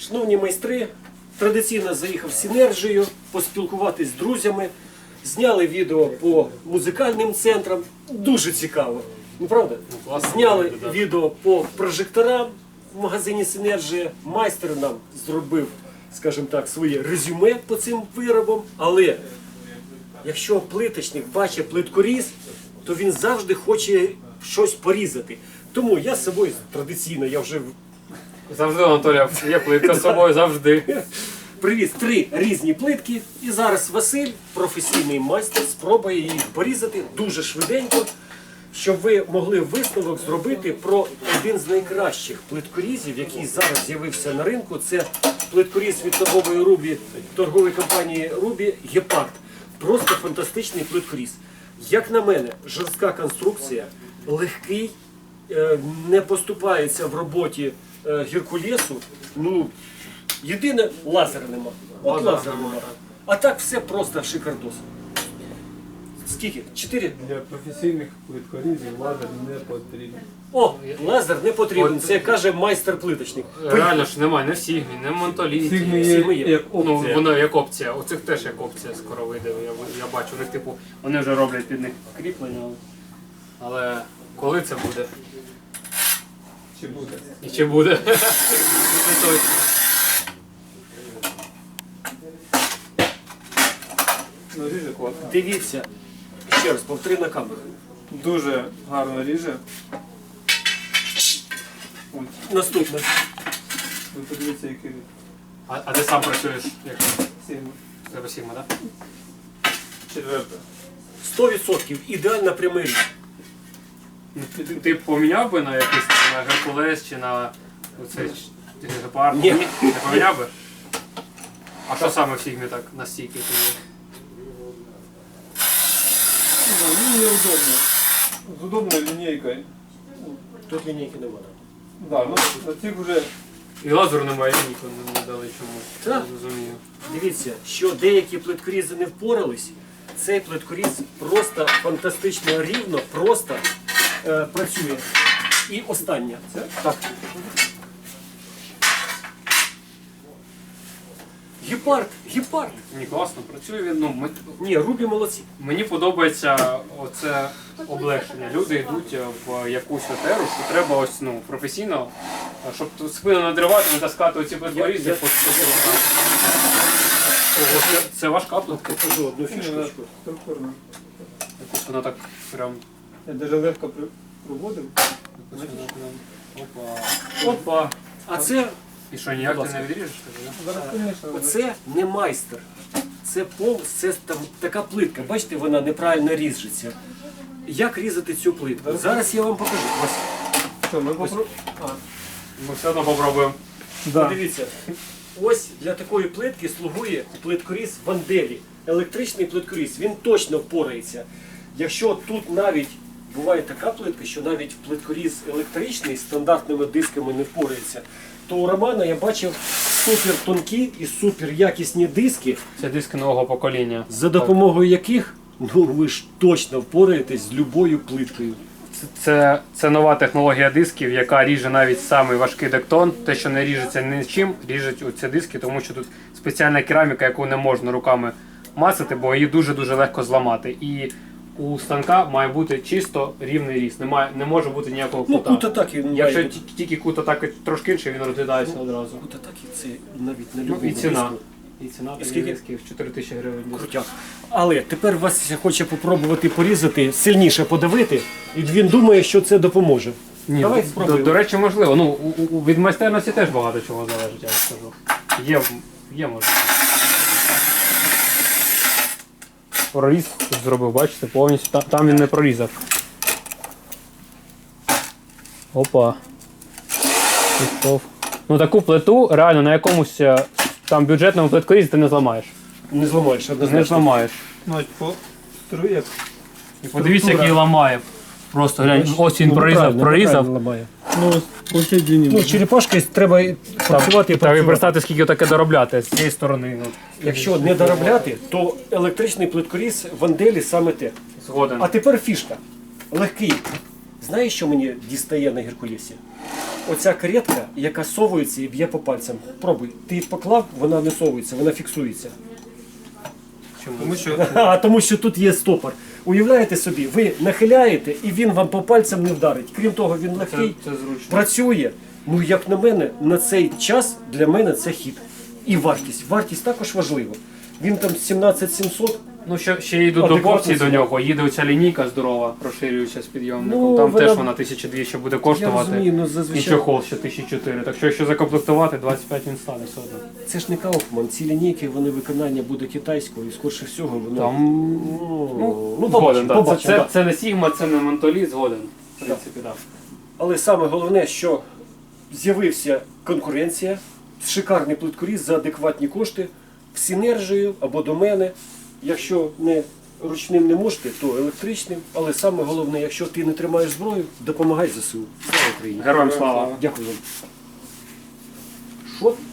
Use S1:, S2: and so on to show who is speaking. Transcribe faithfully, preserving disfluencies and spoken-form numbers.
S1: Шановні майстри, традиційно заїхав з Синержією, поспілкуватись з друзями, зняли відео по музикальним центрам, дуже цікаво, ну правда? Зняли відео по прожекторам в магазині Синержія, майстер нам зробив, скажімо так, своє резюме по цим виробам, але якщо плиточник бачить плиткоріз, то він завжди хоче щось порізати. Тому я з собою традиційно, я вже
S2: Завжди, Анатолія, є плитка з собою, завжди.
S1: привіз три різні плитки, і зараз Василь, професійний майстер, спробує їх порізати дуже швиденько, щоб ви могли висновок зробити про один з найкращих плиткорізів, який зараз з'явився на ринку. Це плиткоріз від торгової Рубі, торгової компанії Рубі Гепард. Просто фантастичний плиткоріз. Як на мене, жорстка конструкція, легкий, не поступається в роботі Геркулесу. Ну, єдине, лазера нема. От лазера нема. А так все просто шикардос. Скільки? Чотири?
S3: Для професійних плиткорізів лазер не потрібен.
S1: О, лазер не потрібен, це каже майстер-плиточник.
S2: Реально ж немає, не в Сігмі, не в Монтоліті.
S3: Сігмі
S1: Сігми
S3: є
S1: є.
S3: як
S2: Ну,
S3: опція.
S2: воно як опція. У цих теж як опція скоро вийде. Я, я бачу, у них типу, вони вже роблять під них кріплення. Але коли це буде?
S3: Чи буде?
S2: І чи буде? Не точно.
S3: Ну, ріже класно.
S1: Дивіться, ще раз, повтори на камеру.
S3: Дуже гарно ріже. Ось,
S1: Наступне.
S3: ви подивіться, який ріж.
S2: А, а ти сам працюєш? Як
S3: Сігма.
S2: у тебе Сігма, так?
S3: Четверта.
S1: сто відсотків ідеально прямий різ.
S2: Ну, ти, ти поміняв би на якийсь на Геркулес чи на оцей Гепард?
S1: Ні.
S2: Не поміняв би? А що саме в Сігмі так настільки тобі?
S3: Ну, ну, неудобно. З удобною лінійкою.
S1: Тут лінійки немає.
S3: Да, ну, на цих вже
S2: І лазеру немає, ніколи не дали чомусь.
S1: Так.
S2: Не розумію.
S1: Дивіться, що деякі плиткорізи не впорались, цей плиткоріз просто фантастично рівно, просто е, працює. І останнє. Це? Так. Гепард, гепард.
S2: Мені класно працює він. Ну, ми,
S1: Ні, Рубі молодці.
S2: мені подобається оце облегшення. Люди йдуть в якусь отеру, що треба ось ну, професійно, щоб тут спину надривати, не таскати оці плиткорізи.
S1: Я-
S2: по сто кілограм. Ого, це, це важка плитка.
S1: Покажу одну
S3: вона
S1: фішку.
S3: структурна.
S2: Якось вона так прям.
S3: Я навіть легко при- проводив.
S2: якось вона прям- Опа. Опа.
S1: А це,
S2: І що, ніяк
S1: Будь
S2: ти
S1: ласка.
S2: не відріжеш? тоді, да?
S3: Зараз, звісно,
S1: оце не майстер. Це пол, це там така плитка. Бачите, вона неправильно ріжеться. Як різати цю плитку? Зараз я вам покажу. Ось.
S3: що, ми попробуємо. А,
S2: Ми все одно попробуємо.
S3: да.
S1: Подивіться, ось для такої плитки слугує плиткоріз Ванделі. Електричний плиткоріз, він точно впорається. Якщо тут навіть буває така плитка, що навіть плиткоріз електричний з стандартними дисками не впорається, то у Романа я бачив супер тонкі і супер якісні диски,
S2: Це диски нового покоління.
S1: за допомогою яких ну ви ж точно впораєтесь з любою плиткою.
S2: Це, це, це нова технологія дисків, яка ріже навіть самий важкий дектон. Те, що не ріжеться нічим, ріжуть оці диски, тому що тут спеціальна кераміка, яку не можна руками мацати, бо її дуже-дуже легко зламати. І у станка має бути чисто рівний ріст, немає, не може бути ніякого
S1: Ну
S2: кута.
S1: кут атаки має
S2: Якщо
S1: бути.
S2: ті- тільки кут атаки трошки інший, він розглядається одразу.
S1: Кут атаки це навіть на
S2: Ну,
S1: любому
S2: і ціна.
S1: диску.
S2: І ціна таких
S1: скільки?
S2: дисків чотири тисячі гривень.
S1: Крутяк. Але тепер Вася хоче попробувати порізати, сильніше подавити, і він думає, що це допоможе.
S2: Ні,
S1: Давай
S2: до,
S1: спробуємо.
S2: до речі, можливо. Ну, у, у, від майстерності теж багато чого залежить, я вам скажу. Є, є можливо. Проріз тут зробив, бачите, повністю. Там, там він не прорізав. Опа. Пішов. Ну таку плиту реально на якомусь е, там бюджетному плиткорізі ти не зламаєш.
S1: Не зламаєш,
S2: Не
S1: однозначно.
S2: зламаєш.
S3: Ну, ось по струях.
S2: І подивіться, який ламає. Просто глянь, ось він
S1: Ну,
S2: прорізав,
S1: неправильно,
S2: прорізав.
S1: неправильно ламає.
S3: Ну, ось по всій длині.
S1: Ну, черепашкою треба і працювати і
S2: Треба
S1: працювати.
S2: представити, скільки таке доробляти з цієї сторони. Ну,
S1: Якщо не доробляти, то електричний плиткоріз Ванделі саме те.
S2: згоден.
S1: А тепер фішка. Легкий. Знаєш, що мені дістає на Геркулесі? оця каретка, яка совується і б'є по пальцям. Пробуй. Ти поклав, вона не совується, вона фіксується.
S2: Чому?
S3: Тому що
S1: А тому що тут є стопор. Уявляєте собі, ви нахиляєте і він вам по пальцям не вдарить. Крім того, він
S2: Це,
S1: легкий,
S2: це зручно.
S1: працює. Ну, як на мене, на цей час для мене це хід. І вартість. Вартість також важлива. Він там сімнадцять сімсот.
S2: Ну, ще, ще йдуть
S1: Адекватно
S2: доповці до
S1: ціна.
S2: нього, їде оця лінійка здорова, розширююча з підйомником.
S1: Ну,
S2: Там
S1: вона-
S2: теж вона тисяча двісті буде
S1: Я
S2: коштувати.
S1: розумію, ну
S2: І
S1: зазвичай.
S2: чохол ще тисяча чотириста. Так що якщо закомплектувати, двадцять п'ять він стане все одно.
S1: Це ж не Кауфман. Ці лінійки, вони виконання буде китайського і скорше всього воно.
S2: Там,
S1: Ну,
S2: ну,
S1: ну,
S2: згоден,
S1: побачимо,
S2: да.
S1: побачимо,
S2: Це, це,
S1: да.
S2: це не Сігма, це не Монтолі, згоден. В принципі, так.
S1: Але саме головне, що з'явився конкуренція, шикарний плиткоріз за адекватні кошти, в синержію або до мене. Якщо не ручним не можете, то електричним. Але саме головне, якщо ти не тримаєш зброю, допомагай ЗСУ. Слава Україні!
S2: Героям слава!
S1: Дякую вам. Що?